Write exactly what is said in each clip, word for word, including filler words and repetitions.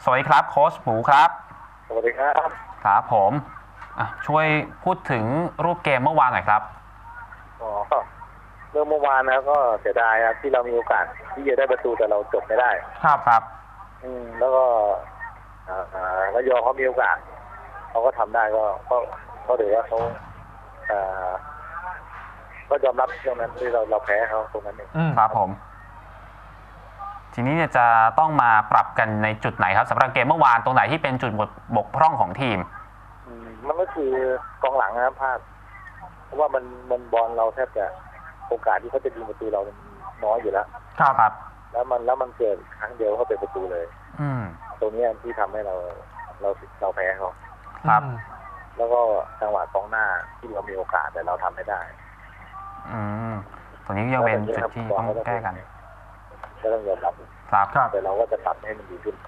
วัสดีครับโค้ชหมูครับสวัสดีครับครับผมช่วยพูดถึงรูปเกมเมื่อวานหน่อยครับอ๋อเรื่องเมื่อวานนะก็เสียดายครับที่เรามีโอกาสที่จะได้ประตูแต่เราจบไม่ได้ครับครับอืมแล้วก็อ่าระยองเขามีโอกาสเขาก็ทำได้ก็ก็ก็ถือว่าเขาอ่าก็ยอมรับตรงนั้นที่เราเราแพ้เขาตรงนั้นเองครับผมทีนี้เนี่ยจะต้องมาปรับกันในจุดไหนครับสำหรับเกมเมื่อวานตรงไหนที่เป็นจุดบกพร่องของทีมมันก็คือกองหลังนะครับพลาดเพราะว่ามันมันบอลเราแทบจะโอกาสที่เขาจะยิงประตูเราน้อยอยู่แล้วครับครับแล้วมันแล้วมันเกิดครั้งเดียวเขาเป็นประตูเลยอืมตรงนี้ที่ทำให้เราเราเราแพ้เขาครับแล้วก็จังหวะกองหน้าที่เรามีโอกาสแต่เราทำไม่ได้อืมตรงนี้ยังเป็นจุดที่ต้องแก้กันก็ต้องยอมรับครับแต่เราก็จะปรับให้มันดีขึ้น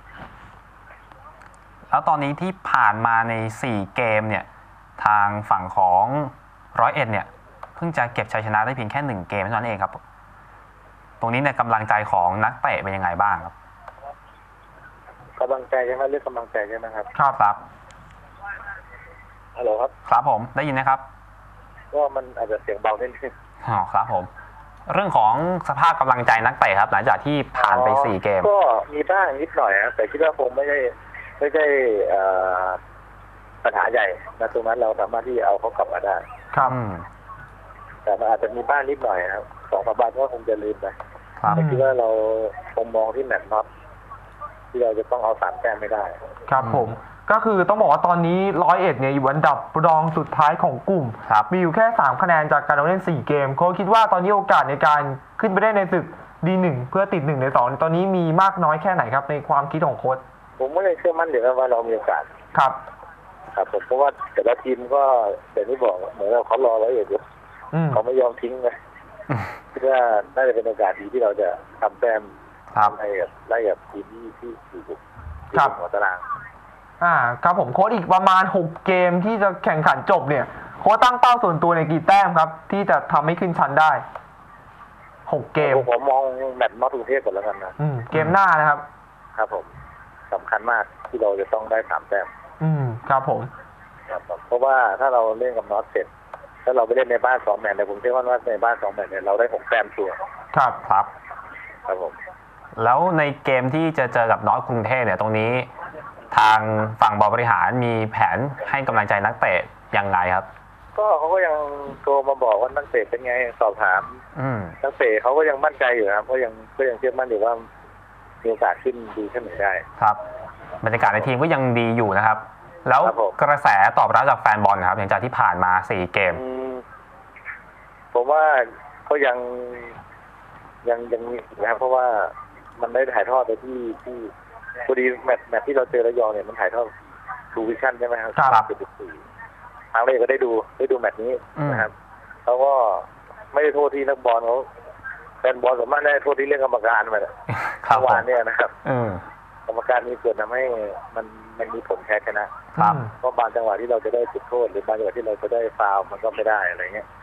แล้วตอนนี้ที่ผ่านมาในสี่เกมเนี่ยทางฝั่งของร้อยเอ็ดเนี่ยเพิ่งจะเก็บชัยชนะได้เพียงแค่หนึ่งเกมเท่านั้นเองครับตรงนี้เนี่ยกำลังใจของนักเตะเป็นยังไงบ้างครับกำลังใจใช่ไหมเรื่องกำลังใจใช่ไหมครับครับครับฮัลโหลครับครับผมได้ยินนะครับก็มันอาจจะเสียงเบานิดนึงอ๋อครับผมเรื่องของสภาพกำลังใจนักเตะครับหลังจากที่ผ่านไปสี่เกมก็มีบ้างนิดหน่อยนะแต่คิดว่าคงไม่ได้ไม่ได้ปัญหาใหญ่นะตรงนั้นเราสามารถที่เอาเขากลับมาได้ครับแต่มันอาจจะมีบ้างนิดหน่อยครับสองสามวันก็คงจะลืมไปแต่คิดว่าเราคงมองที่แมตช์น็อตที่เราจะต้องเอาสามแต้มไม่ได้ครับผมก็คือต้องบอกว่าตอนนี้ร้อยเอ็ดเนี่ยอยู่อันดับรองสุดท้ายของกลุ่มมีอยู่แค่สามคะแนนจากการเล่นสี่เกมเขาคิดว่าตอนนี้โอกาสในการขึ้นไปได้ในศึก ดี หนึ่ง เพื่อติดหนึ่งในสองตอนนี้มีมากน้อยแค่ไหนครับในความคิดของโค้ชผมไม่ได้เชื่อมั่นเดี๋ยวว่าเรามีโอกาสครับครับผมเพราะว่าแต่ละทีมก็อย่างที่บอกเหมือนเราเขารอร้อยเอ็ดอยู่เขาไม่ยอมทิ้งเลยคิดว่าน่าจะเป็นโอกาสดีที่เราจะทำแต้มไล่กับไล่กับทีมที่ที่อยู่ที่หัวตารางอ่าครับผมโค้ชอีกประมาณหกเกมที่จะแข่งขันจบเนี่ยโค้ชตั้งเป้าส่วนตัวในกี่แต้มครับที่จะทำให้ขึ้นชั้นได้หกเกมผมมองแมตช์นอตกรุงเทพก่อนแล้วกันนะอืมเกมหน้านะครับครับผมสำคัญมากที่เราจะต้องได้สามแต้มอืมครับผมครับเพราะว่าถ้าเราเล่นกับนอตเสร็จถ้าเราไปเล่นในบ้านสองแมตช์เนี่ยผมเชื่อว่าในบ้านสองแมตช์เนี่ยเราได้หกแต้มชัวร์ครับครับครับผมแล้วในเกมที่จะเจอกับนอตกรุงเทพเนี่ยตรงนี้ทางฝั่งบริหารมีแผนให้กำลังใจนักเตะยังไงครับก็เขาก็ยังโทรมาบอกว่านักเตะเป็นไงสอบถามนักเตะเขาก็ยังมั่นใจอยู่ครับก็ยังก็ยังเชื่อมั่นอยู่ว่ามีโอกาสขึ้นดีขึ้นหนึ่งได้ครับบรรยากาศในทีมก็ยังดีอยู่นะครับแล้วกระแสตอบรับจากแฟนบอลครับหลังจากที่ผ่านมาสี่เกมผมว่าก็ยังยังยังมีนะครับเพราะว่ามันได้ถ่ายทอดไปที่ที่พอดีแมตช์แมตช์ที่เราเจอระยองเนี่ยมันถ่ายทอดทูวิชั่นใช่ไหมครับครับทางเลยก็ได้ดูได้ดูแมตช์นี้นะครับเขาก็ไม่ได้โทษที่นักบอลเขาแฟนบอลสามารถได้โทษที่เรื่องกรรมการมาเนี่ยเมื่อวานเนี่ยนะครับกรรมการมีส่วนทำให้มันมันมีผลแพ้ชนะครับเพราะบางจังหวะที่เราจะได้จุดโทษหรือบางจังหวะที่เราจะได้ฟาวล์มันก็ไม่ได้อะไรเงี้ย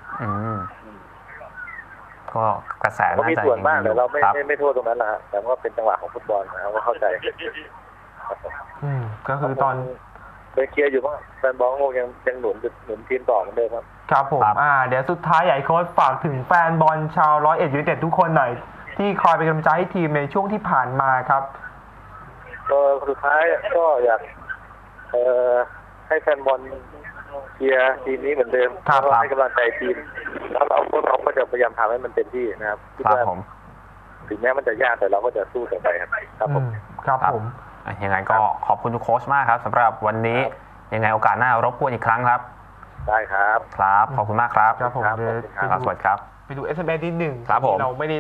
ก็กระแสก็มีส่วนมากแต่เราไม่ไม่ไม่โทษตรงนั้นแหละแต่ว่าเป็นจังหวะของฟุตบอลนะก็เข้าใจอืมก็คือตอนไปเคลียร์อยู่ว่าแฟนบอลคงยังยังหนุนหนุนทีมต่อเหมือนเดิมครับครับผมอ่าเดี๋ยวสุดท้ายใหญ่โค้ชฝากถึงแฟนบอลชาวร้อยเอ็ดยูไนเต็ดทุกคนหน่อยที่คอยเป็นกำลังใจให้ทีมในช่วงที่ผ่านมาครับก็สุดท้ายก็อยากเอ่อให้แฟนบอลเชียร์ทีมนี้เหมือนเดิมแล้วให้กำลังใจทีมแล้วเราพวกเราก็จะพยายามทำให้มันเต็มที่นะครับครับผมถึงแม้มันจะยากแต่เราก็จะสู้ต่อไปครับครับผมครับผมยังไงก็ขอบคุณทุกโค้ชมากครับสำหรับวันนี้ยังไงโอกาสหน้ารบกวนอีกครั้งครับได้ครับครับขอบคุณมากครับครับผมสวัสดีครับไปดู เอส เอ็ม เอส นิดหนึ่งครับผมเราไม่ได้